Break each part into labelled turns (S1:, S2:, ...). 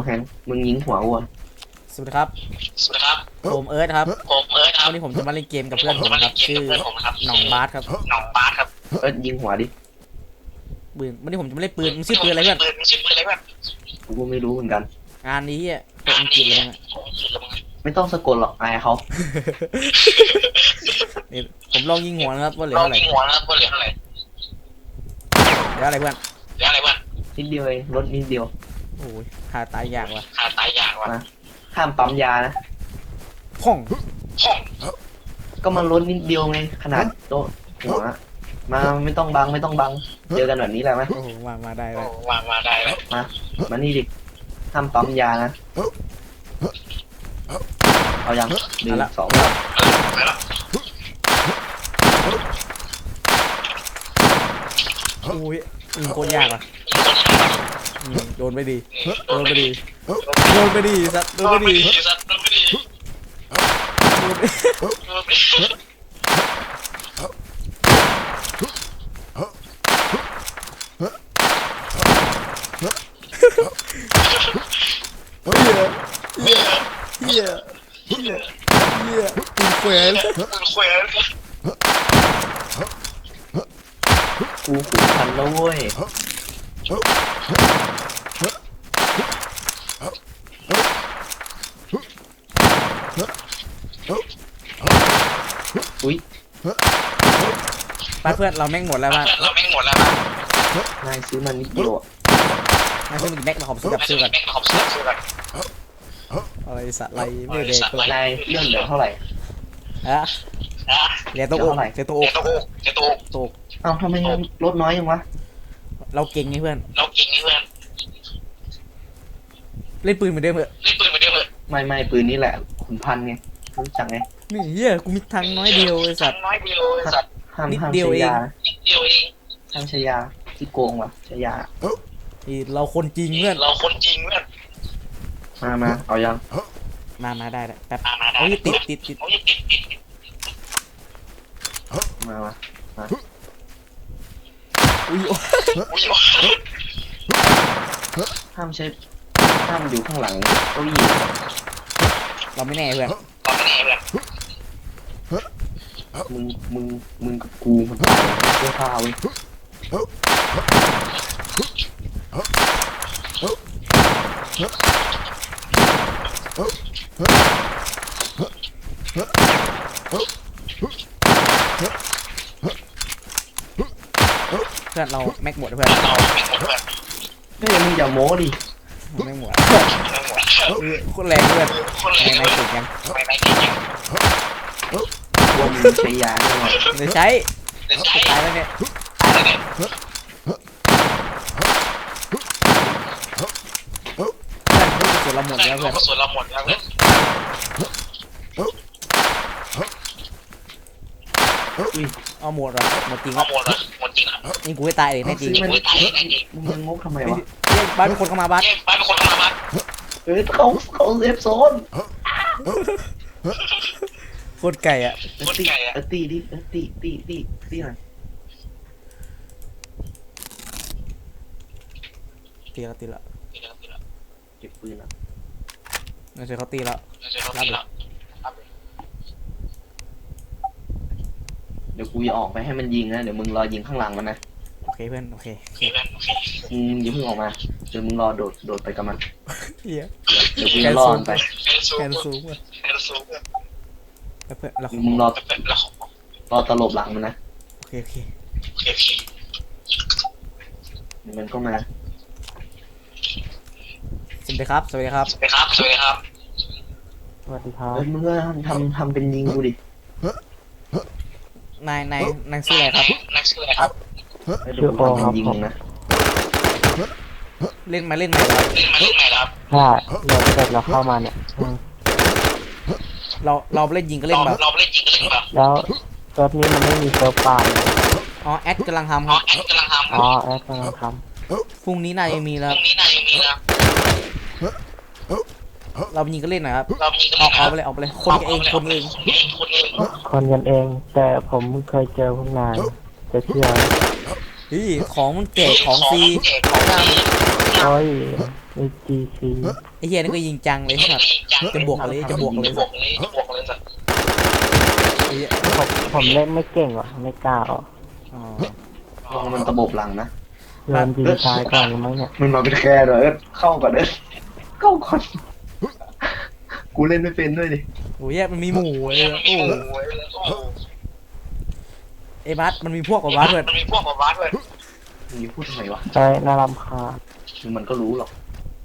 S1: แฮงมึงยิงหัววัว
S2: สวัสดีครับผมเอิร์ธครับวันนี้ผมจะมาเล่นเกมกับเพื่อนผมครับชื่อหน่องบาสครับ
S1: เอิร์ธยิงหัวดิ
S2: ปืนวันนี้ผมจะมาเล่นปืนมึงชื่อปืนอะไรเพื่อน
S1: กูก็ไม่รู้เหมือนกัน
S2: งานนี้อ่ะเป็นอังกฤษเลยนะ
S1: ไม่ต้องสะกดหรอกอายเขา
S2: นี่ผมลองยิงหัวนะครับว่าเหลือเท่าไหร่เหลืออะไรเพื่อน
S1: นิดเดียวเองลดนิดเดียว
S2: โอ้ยหาตายยากว่ะ
S1: นะห้ามปั๊มยานะ
S2: พ่อง
S1: ก็มันลดนิดเดียวไงขนาดโต๊ะหัวมาไม่ต้องบังเจอกันแบบนี้แหละไหม
S2: โอ้โหมาได้เลย
S1: มานี่ดิห้ามปั๊มยานะเอายังหนึ่งสอง
S2: โอ้ยโคตรยากว่ะโดนไปดีสัตว์โดนไปดีเฮียปืนแขวน
S1: กูขุนพันแล้วเว้ยอุ้ย
S2: บ้านเพื่อนเราแม่งหมดแล้วบ้าน
S1: นายซื้อมันนิดเดียวอ่ะ
S2: นายซื้อมันแม็กมาขอบซื้อกับซื้อกันอะไรสัตว์อะไรไม่เด็กเลย
S1: นายเลื่อนเหลือเท่าไหร่
S2: ฮะเหลือตัวอกเหลือตัวอกตก
S1: เอ้าทำไมลดน้อยยังวะ
S2: เราเก่งไงเพื่อนเล่นปืนเหมือนเดิมเหรอ
S1: ไม่ปืนนี่แหละขุนพันไงรู้จักไง
S2: นี่เฮียกูมีทางน้อยเดียวไอ้สัตว์
S1: ห้าม
S2: นิด
S1: ห้าม
S2: เดียว
S1: ใช้
S2: เอง
S1: ยาห้ามใช้ยาที่โกงว่ะใช้ยา
S2: นี่เราคนจริงเพื่อน
S1: มาเอายัง
S2: มาได้แป๊บโอ้ยติด
S1: มา
S2: อุ้ย
S1: ห้ามอยู่ข้างหลังเก้าอี้
S2: เราไม่แน่เพื่อน
S1: มึงกับกูมันตายเสื้อผ้าเว้ย
S2: เพื่อนเราแม็กหมดเพื่อน
S1: ก็ยังมึงอย่าโม้ดิ
S2: แม็กหมดโคตรแรงเพื่อนไม่ติดยัง
S1: วงใช้ยาแน่นอน
S2: เดี๋ยวใช้ตายแล้วเนี่ยเพื่อนรู้สึกเราหมดแล้วเพื่อนเอาหมดเหรอหมดจริงครับนี่กูให้ตายเลยแน่จริง
S1: มึงยังงกทำไมวะ
S2: บ้านเป็นคนเข้ามาบ้าน
S1: เขาเซฟโซน
S2: โคตรไก่อะ
S1: ตีดิตีหน่อย
S2: ตีละ
S1: เก็บปืนอ่ะ
S2: ไม่ใช่เขาตีแล้วรับเลย
S1: เดี๋ยวกูจะออกไปให้มันยิงนะเดี๋ยวมึงรอยิงข้างหลังมันนะ
S2: โอเคเพื่อนโอเค
S1: อย่าเพิ่งออกมาเดี๋ยวมึงรอโดดไปกับมัน
S2: เฮีย
S1: เดี๋ยวกูจะรอมันไป
S2: แคนซูมเพื่อนเรา
S1: มึงรอตลบหลังมันนะ
S2: โอเค
S1: เดี๋ยวมันก็มา
S2: สวัสดีครับ
S1: สวัสดีครับมึงก็ทำเป็นยิงกูดิ
S2: นายชื่ออะไรครับ
S1: เดี๋ยวกูทำเป็นยิงนะ
S2: เล่นไหมครับ
S3: ใช่เราเสร็จเราเข้ามาเนี่ย
S2: เราเล่นยิงก็เล่นแบบ
S3: แล้วเซิร์ฟนี้มันไม่มีเซิร์ฟปาน
S2: อ๋อแอดกำลังทำครับ
S3: อ๋อแอดกำลังท
S2: พรุ่งนี้น่าจะมีแล้วเรายิงก็เล่นหน่อยครับออกไปเลยคนกันเอง
S3: ำคนกันเอง แต่ผมเคยเจอพวกนายจะเชื่อ
S2: ของมันแจกของฟรีของด
S3: โอ้ย AGC
S2: ไอ้เฮียนี่ก็ยิงจังเลยครับจะบวกเลยสัตว์ไอ้เหี้ย
S3: ผมเล่นไม่เก่งว่ะไม่กล้าออก
S2: อ๋อ
S1: ลองมันตะบบหลังนะ
S3: โดนยิงตายก่อนหรือมั้งเนี่ย
S1: มันมาเป็นแค่เลยเข้าก่อนเข้าก่อนกูเล่นไม่เป็นด้วยดิ
S2: โอ้ยมันมีหมู่เลยโอ้ไอ้บัสมันมีพวกกับบัสเลย
S1: มึงจะพูดทำไมวะ
S3: ใช่น่ารำคาญ
S1: มันก็รู้หรอก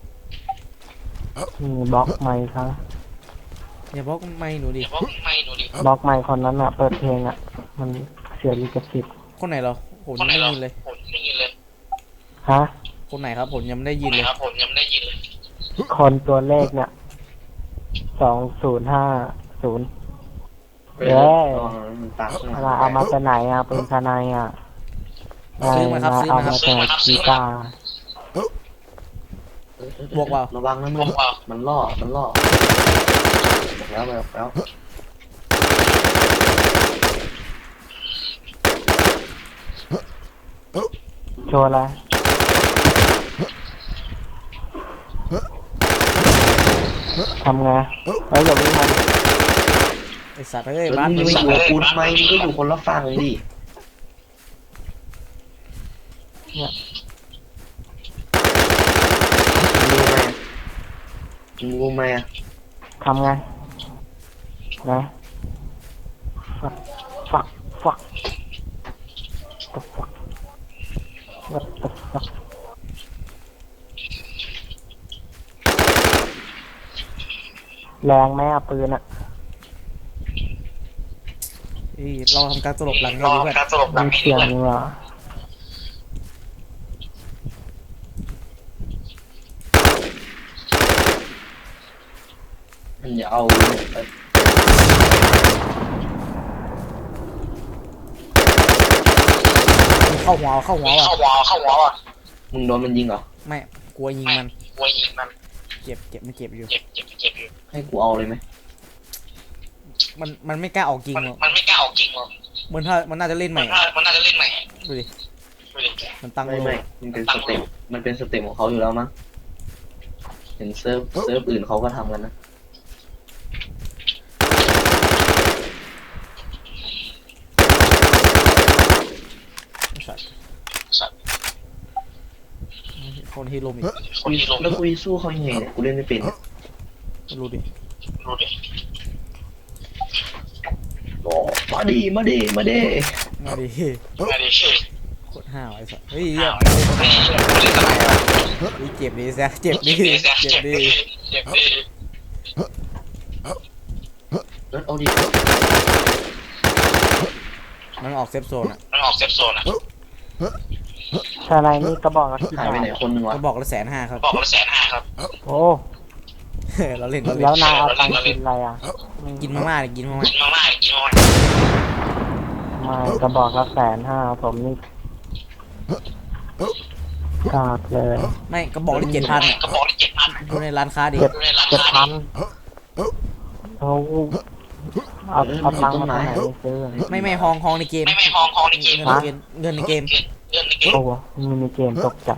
S3: มีบล็อกไมค์ครับ
S2: อย่าบอกไม่หนูดิ
S3: บล็อกไมค์คนนั้นอ่ะเปิดเพลงอ่ะมันเสียลิขสิทธิ์
S2: คนไหนเหรอผมยังไม่ได้ยินเลย
S3: ฮะ
S2: คนไหนครับผมยังไม่ได้ยินเลย
S3: คนตัวเลขเนี่ย2050เย้
S1: มันตามข้างหลัง
S3: เอามาจากไหนอ่ะเป็นทนายอ่ะ
S2: ซื้อมาครับซื้อ
S3: เอา
S2: มาค
S3: มา
S2: รับ
S3: จากกีตาร์
S2: บวกเปล่า
S1: ระวังนะมึงมันล่อบอกแล้ว
S3: โชว์อะไรทำไงอย่าวิ่งมา
S2: ไอ้สัตว์เอ้ย
S1: มึ
S2: บัส
S1: ง
S2: มึง
S1: ไม่
S2: วิ่ง
S1: อยู่กับกูทำไมมึงก็อยู่คนละฝั่งดิ
S3: เนี่ย
S1: มึงรู้ไหมอ่ะ
S3: ทำไงนะฝัก the fuck what the fuck แรงไหมอ่ะปืนอ่ะ
S2: เอ้ยเราทำการตลบหลังเราดีกว่า
S3: มีเสียงเหรอ
S1: มันอย่าเอา
S2: เข้าหัวว่ะ
S1: มึงโดนมันยิงเหรอ
S2: ไม่กลัวยิงมันเจ็บมันเจ็บอยู่
S1: ให้กูเอาเลยไหม
S2: มันไม่กล้าออกจริงหรอกมันน่าจะเล่นใหม่ดูดิมันตั้ง
S1: ไม่
S2: โล
S1: มันเป็นสเต็ปของเขาอยู่แล้วมั้งเห็นเซิร์ฟอื่นเขาก็ทำกันนะ
S2: สัตว์คนที่ลมอีก
S1: แล้วกูสู้เขายังไงเนี่ยกูเล่นไม่เป็น
S2: รู้ดิ
S1: มาดิ
S2: มาดิโคตรห้าวไอ้สัสเฮ้ยเจ็บดิแซะเจ็บดิ
S1: แล้วเอาดิ
S2: มันออกเซฟโซนอ่ะ
S3: ชาไนนี่กระบอกละกี่
S1: หาย
S3: บา
S1: ไป
S3: ท
S1: ไหนคนหนึ่งวะ
S2: ก็บอกละ150,000ครับ
S3: โอ้
S2: เราเล่น
S3: แล้วนายเอาตังค์กินอะไรอ่ะ
S2: กินมาม่าเลยกินมาม่า
S3: ไม่กระบอกละ150,000ผมนี่กราบเลย
S2: ไม่ก็บอกละ7,000อ่ะดูในร้านค้าดิ
S3: 7,000เอาตังค์มาจากไหนซื้อ
S2: ไม่ห้องในเกมเงินในเกม
S3: โอ้โหมินิเกมตกใจ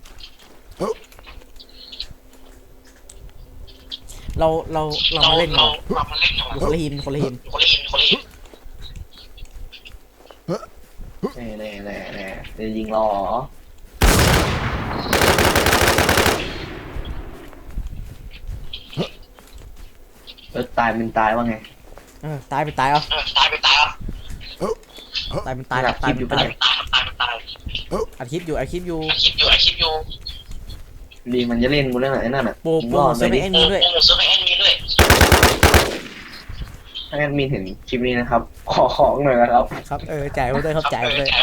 S2: เรามาเล่นกันดูคนละทีม
S1: แน่จะยิงรอตายเป็นตายว่าไง
S2: ตายไปตายเอาตายเป็นตายอัดคลิปอยู่
S1: ดีมันจะเล่นกูเรื่องไหนนั่นน่ะ
S2: โปรเซอร์ไอแอนมีด้วย
S1: ถ้าแอดมินเห็นคลิปนี้นะครับ ขอของหน่อยนะครับ
S2: ครับจ่ายไปด้วยครับจ่ายไปด้วย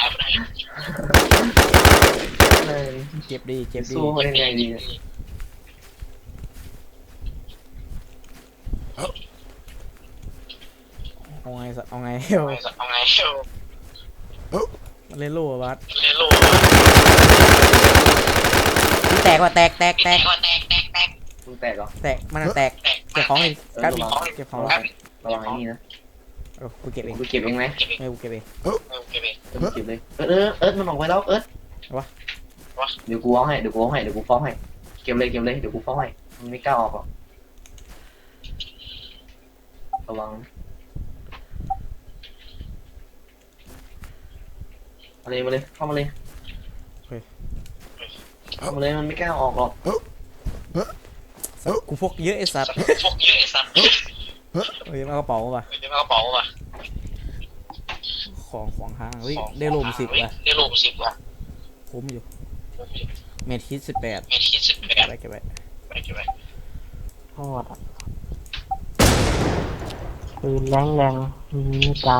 S2: เจ็บดี
S1: สู้เขายังไงดีเนี่ย
S2: เอาไงมันเล่นโล่บัสแตกว่ะแตก
S1: มึงแตกเหรอ
S2: มันแตกเก็บของเลยกันเก็บของ
S1: ระวังไอ้นี่นะ
S2: กูเก็บเอง
S1: กูเก็บเองไหม
S2: ไม่กูเก็บเอง
S1: มึงเก็บเลยมันออกไปแล้ววะเดี๋ยวกูเอาให้เดี๋ยวกูฟ้องให้เก็ก็บเลยเดี๋ยวกูเฝ้าให้มันไม่กล้าออกหรอกระวังมาเลยเข้ามาเลยมันไม่กล้าออกหรอก
S2: กูพกเยอะไอ้สัตว์เฮ้ยมากระเป๋าป่ะของห้างเฮ้ยได้โลม10ว่ะคุ้มอยู่เมทฮิต18เก็บไว้
S3: โทษอะปืนแรงมีใจ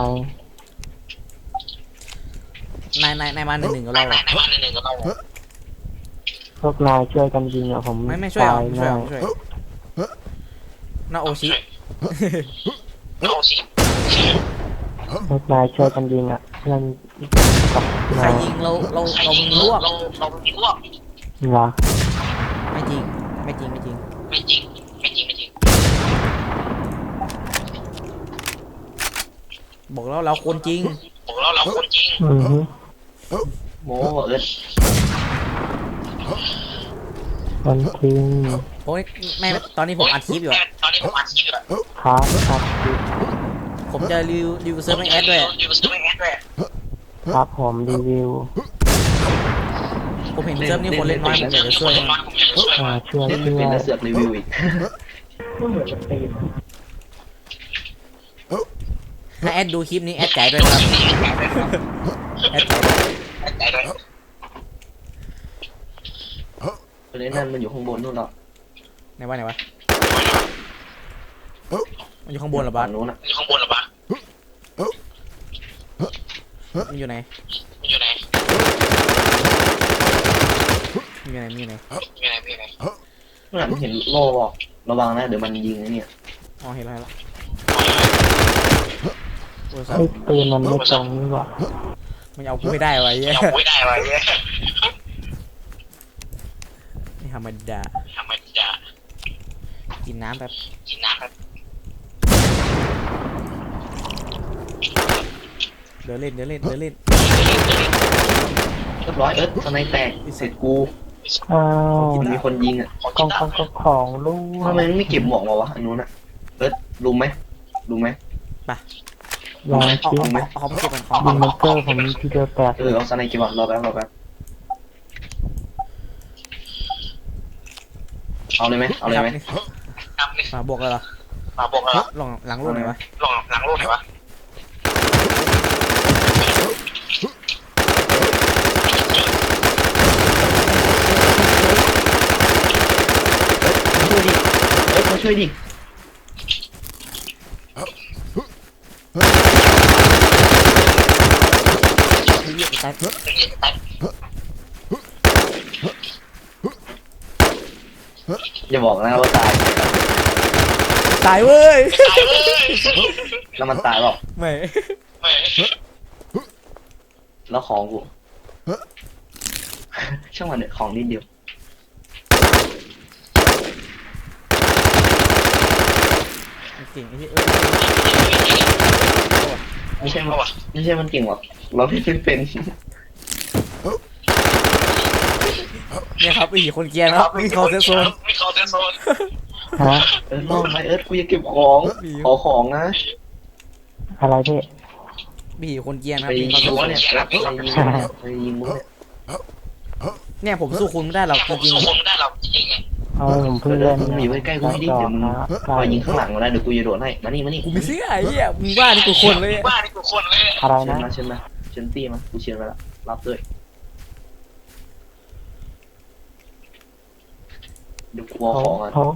S2: นายมา1-1กับเราเหรอ
S3: พวกนายช่วยกันยิงอะผม
S2: ไม่ช่วย
S3: ตา
S2: เอา
S3: ย
S2: ไม่ช่วย
S3: แน่
S2: เอาไม่ช่วยนาโอชิ
S3: พวกนายช่วยกันยิงอะเพื่อนกับ
S2: ใคร
S3: นาย
S2: ยิงเรามึงลวก
S3: เหรอ
S2: ไม่จริงบอกแล้วเราคนจริง
S3: อือฮึ
S1: โม้เอิร์ธ
S3: คนจริง
S2: โอ้ยไม่ตอนนี้ผมอัดคลิปอยู่อะ
S3: ครับครับ
S2: ผมจะรีวิวเซิร์ฟในแอดด้วยอะ
S3: ครับผมรีวิว
S2: ผมเห็นเซิร์ฟนี่คนเล่นน้อยผมอยากจะช่วย
S3: ช่วย
S1: เล่นไม่
S3: เพื่
S1: เป็น
S3: อน
S1: แล้วเสือกรีวิวอีก
S2: ถ้าแอดดูคลิปนี้แอดจ่ายด้วยนะครับแอดจ่ายด้วย
S1: ประเด็นนั้นมันอยู่ข้างบนนู่นหรอ
S2: ไหนวะมันอยู่ข้างบนเหรอบ้าน
S1: นู้นอ่ะ
S2: มันอยู่ไหนมันอยู่ไหน
S1: เมื่อไหร่เห็นโล่บอกระวังนะเดี๋ยวมันยิงไอ้เนี่ย
S2: อ๋อเห็นแล้วโอ้ย
S3: ไอ้ปืนมันไม่ตรงนี่หว่า
S2: มันเอากูไม่ได้วะเหี้ยไม่ธรรมดากินน้ำแบบเดินเล่น
S1: เรียบร้อยเอิร์ธสไนแตกเสร็จกู
S3: อ้าว
S1: มีคนยิงอ่ะ
S3: ของลูก
S1: ทำไมไม่เก็บหมวกมาวะอันนู้นอ่ะเอิร์ธรู้ไหม
S3: ยาง
S2: เอา
S3: ชิ้น
S2: เขาไปเก็บกันของ
S3: ยิงมันเกอร์ผมทีเดียวแตก
S1: เอาสไนเก็บก่อนรอแป๊บเอาเลยไหม
S2: มาบวกเลยเหรอลองหลังรูปหน่อยวะ
S1: มาช่วยดิ
S2: ตาย
S1: อย่าบอกนะว่าตาย
S2: ตายเว้ย
S1: แล้วมันตายหรอก
S2: ไม่
S1: แล้วของกูช่างมันเนี่ยของนิดเดียว
S2: เก่งไอ้ที่
S1: ไม่ใช่มันเก่งหรอกเราไม่เป็น
S2: เนี่ยครับอีกคนเกียร์นะครับวิ่งเข้าเซฟโซน
S3: ฮะ
S1: ลองไปเอิร์ธกูจะเก็บของขอของนะ
S3: อะไรพี่
S2: บีคนเกียร์นะ
S1: ไป
S2: วิ่
S1: ยิ
S2: ง
S1: ง
S2: เข้าเซฟ
S1: รั้ว
S2: โซน
S1: เนี่ยไปยิงมุ้งเนี่ย
S2: เนี่ยผมสู้คุณไม่ได้หรอกจริง
S3: เอาผมเพิ่งเล่น
S1: มึงอยู่ใกล้ๆกูให้ดิเดี๋ยวมึงคอยยิงข้างหลังมาได้เดี๋ยวกูจะโดดให้มานี่
S2: ๆกูไม่เชื่อไอ้เหี้ยมึงว่านี่กูคนเลย
S3: อะไร
S1: เชิญ
S3: นะ
S1: มาเชิญตี้มากูเชิญมาแล้วรับด้วยเดี๋ยวกูเอาของอ่ะ
S3: ผม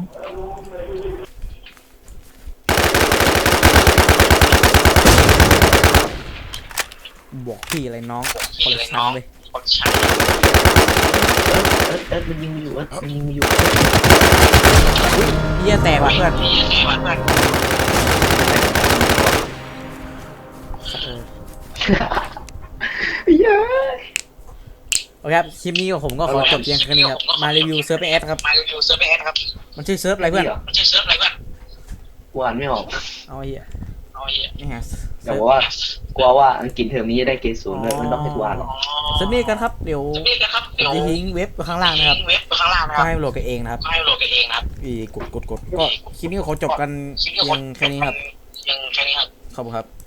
S2: บอกพี่อะไรน้องคนละชั้นเลย
S1: เอิร์ธมันยิงมาอยู่มันยิงมาอยู่
S2: เหี้ยแตกว่ะเพื่อน
S1: เย้ย
S2: โอเคครับคลิปนี้ของผมก็ขอจบเพียงแค่นี้ครับมารีวิวเซิร์ฟแอดครับมันชื่อเซิร์ฟอะไรเพื่อน
S1: กูอ่านไม่ออก
S2: เอาไอ้เหี้ยนี่ฮะ
S1: แต่ว่ากลัวว่าอังกฤษเทอมนี้จะได้เกรด 0เลยมันต้องให้กูอ่านหรอก
S2: เซิร์ฟนี้กันครับเดี๋ยวผมจะทิ้งเว็บไว้ข้างล่างนะครับก็ให้โหลดกันเองนะครับกดก็คลิปนี้ขอจบกันเพียงแค่นี้ครับขอบคุณครับ